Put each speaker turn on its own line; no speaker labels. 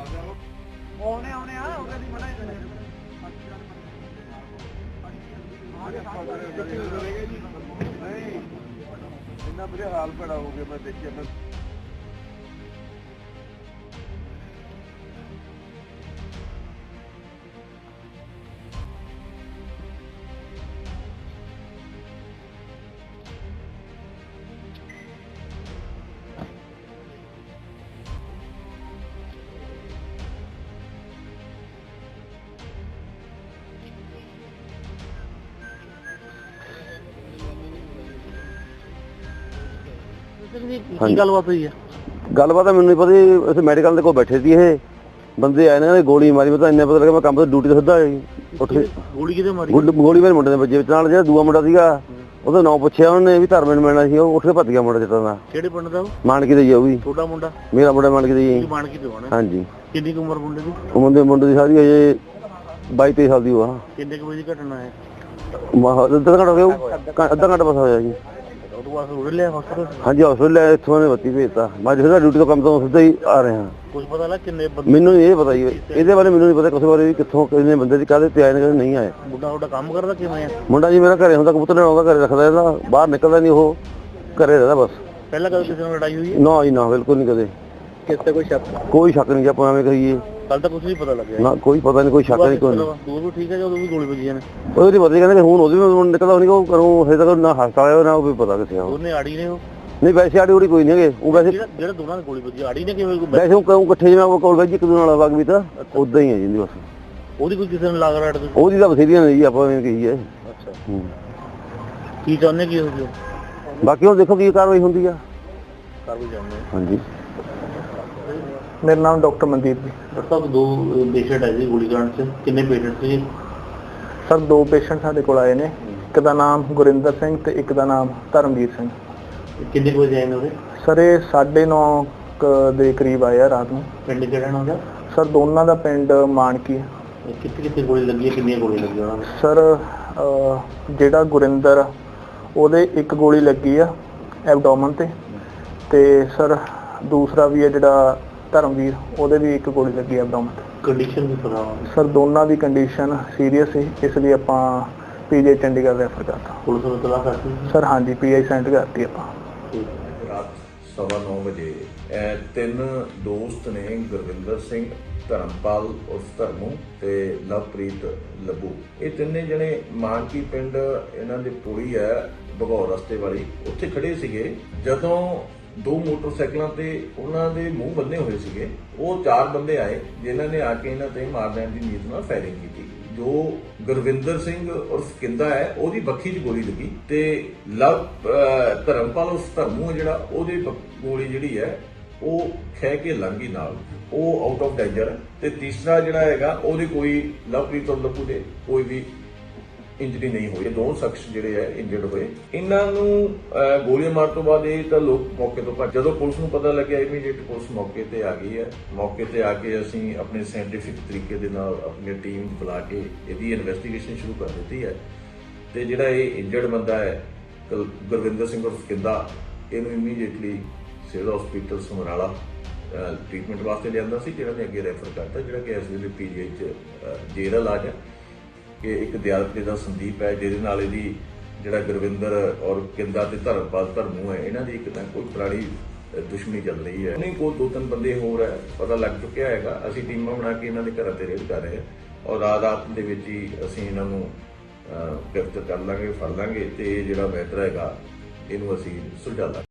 ਆਉਣੇ ਆ ਉਹਦੇ ਦੀ ਮਨਾ ਹੀ ਇੰਨਾ ਬੁਰਾ ਹਾਲ ਬੜਾ ਹੋ ਗਿਆ। ਮੈਂ ਦੇਖਿਆ ਮੈਂ
ਕੀ ਗੱਲਬਾਤ ਹੋਈ ਆ?
ਗੱਲਬਾਤ ਮੈਨੂੰ ਨਹੀਂ ਪਤਾ ਜੀ। ਅਸੀਂ ਮੈਡੀਕਲ ਦੇ ਕੋਲ ਬੈਠੇ ਸੀ, ਇਹ ਬੰਦੇ ਆਏ ਨੇ ਗੋਲੀ ਮਾਰੀ। ਮੈਂ ਤਾਂ ਇੰਨਾ ਪਤਾ ਲੱਗਾ ਮੈਂ ਕੰਮ ਤੋਂ ਡਿਊਟੀ ਤੋਂ ਸਿੱਧਾ ਉੱਠ ਕੇ
ਗੋਲੀ ਕਿਤੇ ਮਾਰੀ?
ਗੋਲੀ ਮੇਰੇ ਮੁੰਡੇ ਦੇ ਵੱਜੇ ਵਿੱਚ। ਨਾਲ ਜਿਹੜਾ ਦੂਆ ਮੁੰਡਾ ਸੀਗਾ ਉਹਦਾ ਨਾਂ ਪੁੱਛਿਆ ਉਹਨੇ ਵੀ ਧਰਮੇ ਨੂੰ ਮਿਲਣਾ ਸੀ, ਉਹ ਉੱਠ ਕੇ ਭੱਜ ਗਿਆ ਮੁੰਡਾ ਜਿੱਤਾਂ ਦਾ।
ਕਿਹੜੇ ਪਿੰਡ ਦਾ?
ਮਾਨਕੀ ਦੇ ਜੀ। ਉਹ ਵੀ
ਤੁਹਾਡਾ ਮੁੰਡਾ?
ਮੇਰਾ ਮੁੰਡਾ ਮਾਨਕੀ ਦੇ ਜੀ।
ਮਾਨਕੀ ਤੋਂ ਆਣਾ?
ਹਾਂਜੀ।
ਕਿੰਨੀ ਕੁ ਉਮਰ ਮੁੰਡੇ ਦੀ?
ਉਹ ਮੁੰਡੇ ਦੀ ਸਾਰੀ ਅਜੇ 22-23 ਸਾਲ ਦੀ ਉਹ ਆ।
ਕਿੰਨੇ ਕੁ ਵਜੇ ਦੀ ਘਟਨਾ ਹੈ?
ਅੱਧਾ ਘੰਟਾ ਹੋ ਗਿਆ, ਅੱਧਾ ਘੰਟਾ ਬਸ ਹੋਇਆ ਜੀ।
ਉਹ ਤੋਂ ਬਾਅਦ ਉੜ ਲਿਆ ਹਸਪਤਾਲ?
ਹਾਂਜੀ ਹਸਪਤਾਲ ਲੈ, ਇੱਥੋਂ ਨੇ ਬੱਤੀ ਭੇਜਤਾ। ਮੈਂ ਜਿਹੜਾ ਡਿਊਟੀ ਤੋਂ ਕੰਮ ਤੋਂ ਸਿੱਧਾ ਹੀ ਆ ਰਿਹਾ।
ਕੁਝ ਪਤਾ ਲੱਗ ਕਿੰਨੇ ਬੰਦੇ?
ਮੈਨੂੰ ਇਹ ਪਤਾ ਜੀ, ਇਹਦੇ ਬਾਰੇ ਮੈਨੂੰ ਨਹੀਂ ਪਤਾ ਕਿਸੇ ਬਾਰੇ ਵੀ ਕਿੱਥੋਂ ਕਿੰਨੇ ਬੰਦੇ ਦੀ ਕਾਹਦੇ ਤੇ ਆਏ ਨੇ ਕਾਹਦੇ ਨਹੀਂ ਆਏ।
ਮੁੰਡਾ ਤੁਹਾਡਾ ਕੰਮ ਕਰਦਾ ਕਿਵੇਂ ਆ?
ਮੁੰਡਾ ਜੀ ਮੇਰਾ ਘਰੇ ਹੁੰਦਾ, ਕਬੂਤਰ ਲੈਣ ਆਉਂਦਾ, ਘਰੇ ਰੱਖਦਾ ਇਹਦਾ, ਬਾਹਰ ਨਿਕਲਦਾ ਨਹੀਂ, ਉਹ ਘਰੇ ਰਹਿੰਦਾ ਬਸ।
ਪਹਿਲਾਂ ਕਦੇ ਕਿਸੇ ਨਾਲ ਲੜਾਈ ਹੋਈ ਹੈ?
ਨਾ ਜੀ ਨਾ, ਬਿਲਕੁਲ ਨਹੀਂ ਕਦੇ।
ਕਿਸੇ ਤੇ ਕੋਈ ਸ਼ੱਕ?
ਕੋਈ ਸ਼ੱਕ ਨਹੀਂ ਜੀ, ਆਪਾਂ ਐਵੇਂ ਕਹੀਏ।
ਕੱਲ ਤਾਂ ਕੁਝ ਨਹੀਂ ਪਤਾ ਲੱਗਿਆ
ਨਾ ਕੋਈ ਪਤਾ ਨਹੀਂ, ਕੋਈ ਸ਼ੱਕ ਨਹੀਂ, ਕੋਈ ਨਹੀਂ।
ਦੂਰ ਵੀ ਠੀਕ ਹੈ ਜਦੋਂ ਵੀ ਗੋਲੀ ਵੱਜੀ ਨੇ?
ਉਹਦੀ ਪਤਾ ਕਹਿੰਦੇ ਹੁਣ ਉਹਦੀ ਵੀ ਨਿਕਲਦਾ ਨਹੀਂ, ਉਹ ਕਰੂੰ ਹਜੇ ਤੱਕ ਨਾ ਹਸਪਤਾਲ ਆਇਆ ਨਾ ਉਹ ਵੀ ਪਤਾ ਕਿੱਥੇ ਆ।
ਉਹਨੇ ਆੜੀ ਨੇ? ਉਹ
ਨਹੀਂ ਵੈਸੇ ਆੜੀ ਉੜੀ ਕੋਈ ਨਹੀਂ ਹੈਗੇ। ਉਹ ਵੈਸੇ
ਜਿਹੜਾ ਦੋਨਾਂ ਦੀ ਗੋਲੀ ਵੱਜੀ ਆੜੀ ਨੇ ਕਿਵੇਂ?
ਵੈਸੇ ਉਹ ਇਕੱਠੇ ਜਿਵੇਂ ਉਹ ਕੋਲ ਵੈਜੀ ਇੱਕ ਦੂਜੇ ਨਾਲ ਵਗ ਵੀ ਤਾਂ ਉਦਾਂ ਹੀ ਹੈ ਜੀ ਬਸ।
ਉਹਦੀ ਕੋਈ ਕਿਸੇ ਨਾਲ ਲਾਗ ਰਾੜ?
ਉਹਦੀ ਤਾਂ ਬਥੇਰੀਆਂ ਨੇ ਜੀ, ਆਪਾਂ ਐਵੇਂ ਕਹੀਏ।
ਅੱਛਾ। ਕੀ ਚਾਹੁੰਦੇ ਕੀ ਹੋ ਗਿਆ?
ਬਾਕੀ ਹੁਣ ਦੇਖੋ ਕੀ ਕਾਰਵਾਈ ਹੁੰਦੀ ਆ।
ਕਰ ਵੀ ਜਾਂਦੇ।
ਹਾਂਜੀ।
ਮੇਰਾ ਨਾਮ ਡਾਕਟਰ ਮਨਦੀਪ ਜੀ।
ਡਾਕਟਰ ਸਾਹਿਬ ਦੋ ਪੇਸ਼ੈਂਟ ਆਏ ਸੀ ਗੋਲੀकांड 'ਚ, ਕਿੰਨੇ ਪੇਸ਼ੈਂਟ ਸੀ?
ਸਰ 2 ਪੇਸ਼ੈਂਟ ਸਾਡੇ ਕੋਲ ਆਏ ਨੇ। ਇੱਕ ਦਾ ਨਾਮ ਗੁਰਿੰਦਰ ਸਿੰਘ ਤੇ ਇੱਕ ਦਾ ਨਾਮ ਧਰਮਵੀਰ ਸਿੰਘ।
ਕਿੰਨੇ ਕੁ ਵਜੇ ਆਏ ਨੇ ਉਹਦੇ?
ਸਰ ਇਹ 9:30 ਦੇ ਕਰੀਬ ਆਏ ਆ ਰਾਤ ਨੂੰ।
ਪਿੰਡ ਕਿਹੜਾ ਨਾ ਉਹਦਾ?
ਸਰ ਦੋਨਾਂ ਦਾ ਪਿੰਡ ਮਾਨਕੀ ਹੈ।
ਕਿੱਥੇ ਕਿੱਥੇ ਗੋਲੀ ਲੱਗੀ ਹੈ? ਕਿੰਨੀਆਂ ਗੋਲੀਆਂ ਲੱਗੀਆਂ ਉਹਨਾਂ ਨੂੰ?
ਸਰ ਜਿਹੜਾ ਗੁਰਿੰਦਰ ਉਹਦੇ ਇੱਕ ਗੋਲੀ ਲੱਗੀ ਆ ਐਬਡੋਮਨ ਤੇ ਸਰ ਦੂਸਰਾ ਵੀ ਹੈ ਜਿਹੜਾ ਧਰਮਵੀਰ, ਉਹਦੇ ਵੀ ਇੱਕ ਗੋਲੀ ਲੱਗੀ ਐਬਡੋਮਨ ਤੇ।
ਕੰਡੀਸ਼ਨ ਵੀ ਪਤਾ?
ਸਰ ਦੋਨਾਂ ਦੀ ਕੰਡੀਸ਼ਨ ਸੀਰੀਅਸ ਸੀ, ਇਸ ਲਈ ਆਪਾਂ ਪੀਜੀ ਚੰਡੀਗੜ੍ਹ ਰੈਫਰ ਕਰਤਾ।
ਪੁਲਿਸ ਨੂੰ ਤਲਾਸ਼ ਕਰਤੀ?
ਸਰ ਹਾਂਜੀ, ਪੀਆਈ ਸੈਂਡ ਕਰਤੀ ਆਪਾਂ।
ਰਾਤ 9:15 ਵਜੇ ਇਹ 3 ਦੋਸਤ ਨੇ, ਗੁਰਵਿੰਦਰ ਸਿੰਘ, ਧਰਮਪਾਲ ਉਰਫ ਧਰਮੂ ਤੇ ਲਵਪ੍ਰੀਤ ਲੱਭੂ, ਇਹ ਤਿੰਨੇ ਜਣੇ ਮਾਨਕੀ ਪਿੰਡ ਇਹਨਾਂ ਦੇ ਪੁਲੀ ਹੈ ਭਗੌਰ ਰਸਤੇ ਵਾਲੀ, ਉੱਥੇ ਖੜੇ ਸੀਗੇ। ਜਦੋਂ 2 ਮੋਟਰਸਾਈਕਲਾਂ ਤੇ ਉਹਨਾਂ ਦੇ ਮੂੰਹ ਬੰਨੇ ਹੋਏ ਸੀਗੇ, ਉਹ 4 ਬੰਦੇ ਆਏ ਜਿਨ੍ਹਾਂ ਨੇ ਆ ਕੇ ਇਹਨਾਂ ਤੇ ਮਾਰ ਲੈਣ ਦੀ ਨੀਤ ਨਾਲ ਫਾਇਰਿੰਗ ਕੀਤੀ। ਜੋ ਗੁਰਵਿੰਦਰ ਸਿੰਘ ਉਰਫ ਕਿੰਦਾ ਹੈ ਉਹਦੀ ਬੱਖੀ 'ਚ ਗੋਲੀ ਲੱਗੀ ਤੇ ਧਰਮਪਾਲ ਉਰਫ ਧਰਮੂ ਹੈ ਜਿਹੜਾ, ਉਹਦੀ ਗੋਲੀ ਜਿਹੜੀ ਹੈ ਉਹ ਖਹਿ ਕੇ ਲੰਘੀ ਨਾਲ, ਉਹ ਆਊਟ ਆਫ ਡੇਂਜਰ ਹੈ। ਤੇ ਤੀਸਰਾ ਜਿਹੜਾ ਹੈਗਾ ਉਹਦੇ ਕੋਈ ਲਵਪ੍ਰੀਤ ਔਰ ਲੱਭੂ ਦੇ ਕੋਈ ਵੀ ਇੰਜਰੀ ਨਹੀਂ ਹੋਈ। 2 ਸ਼ਖਸ ਜਿਹੜੇ ਹੈ ਇੰਜਰਡ ਹੋਏ। ਇਹਨਾਂ ਨੂੰ ਗੋਲੀਆਂ ਮਾਰਨ ਤੋਂ ਬਾਅਦ ਇਹ ਤਾਂ ਲੋਕ ਮੌਕੇ ਤੋਂ ਭੱਜ। ਜਦੋਂ ਪੁਲਿਸ ਨੂੰ ਪਤਾ ਲੱਗਿਆ, ਇਮੀਡੀਏਟ ਪੁਲਿਸ ਮੌਕੇ ਤੇ ਆ ਗਈ ਹੈ। ਮੌਕੇ ਤੇ ਆ ਕੇ ਅਸੀਂ ਆਪਣੇ ਸਾਇੰਟੀਫਿਕ ਤਰੀਕੇ ਦੇ ਨਾਲ ਆਪਣੀ ਟੀਮ ਬੁਲਾ ਕੇ ਇਹਦੀ ਇਨਵੈਸਟੀਗੇਸ਼ਨ ਸ਼ੁਰੂ ਕਰ ਦਿੱਤੀ ਹੈ। ਤੇ ਜਿਹੜਾ ਇਹ ਇੰਜਰਡ ਬੰਦਾ ਹੈ ਗੁਰਵਿੰਦਰ ਸਿੰਘ ਉਰਫ ਕਿੰਦਾ, ਇਹਨੂੰ immediately civil hospital Samrala treatment ਵਾਸਤੇ ਲਿਆਂਦਾ ਸੀ, ਜਿਹੜਾ ਨੇ ਅੱਗੇ ਰੈਫਰ ਕਰਤਾ, ਜਿਹੜਾ ਕਿ ਇਸ ਵੇਲੇ ਪੀਜੀਆਈ 'ਚ ਜੇਲ੍ਹ ਇਲਾਜ ਹੈ। ਕਿ ਇੱਕ ਦਿਆਲਪੇ ਦਾ ਸੰਦੀਪ ਹੈ, ਜਿਹਦੇ ਨਾਲ ਇਹਦੀ ਜਿਹੜਾ ਗੁਰਵਿੰਦਰ ਔਰ ਕਿੰਦਾ ਤੇ ਧਰਮਪਾਲ ਧਰਮੂ ਹੈ, ਇਹਨਾਂ ਦੀ ਇੱਕ ਤਾਂ ਕੋਈ ਪੁਰਾਣੀ ਦੁਸ਼ਮਣੀ ਚੱਲ ਰਹੀ ਹੈ। ਨਹੀਂ ਕੋਈ 2-3 ਬੰਦੇ ਹੋਰ ਹੈ ਪਤਾ ਲੱਗ ਚੁੱਕਿਆ ਹੈਗਾ। ਅਸੀਂ ਟੀਮਾਂ ਬਣਾ ਕੇ ਇਹਨਾਂ ਦੇ ਘਰਾਂ ਤੇ ਰੇਡ ਕਰ ਰਹੇ ਹਾਂ ਔਰ ਰਾਤ ਦੇ ਵਿੱਚ ਹੀ ਅਸੀਂ ਇਹਨਾਂ ਨੂੰ ਗ੍ਰਿਫਤਾਰ ਕਰ ਲਾਂਗੇ, ਫੜ ਲਾਂਗੇ ਤੇ ਜਿਹੜਾ ਮੈਟਰ ਹੈਗਾ ਇਹਨੂੰ ਅਸੀਂ ਸੁਲਝਾ ਲਾਂਗੇ।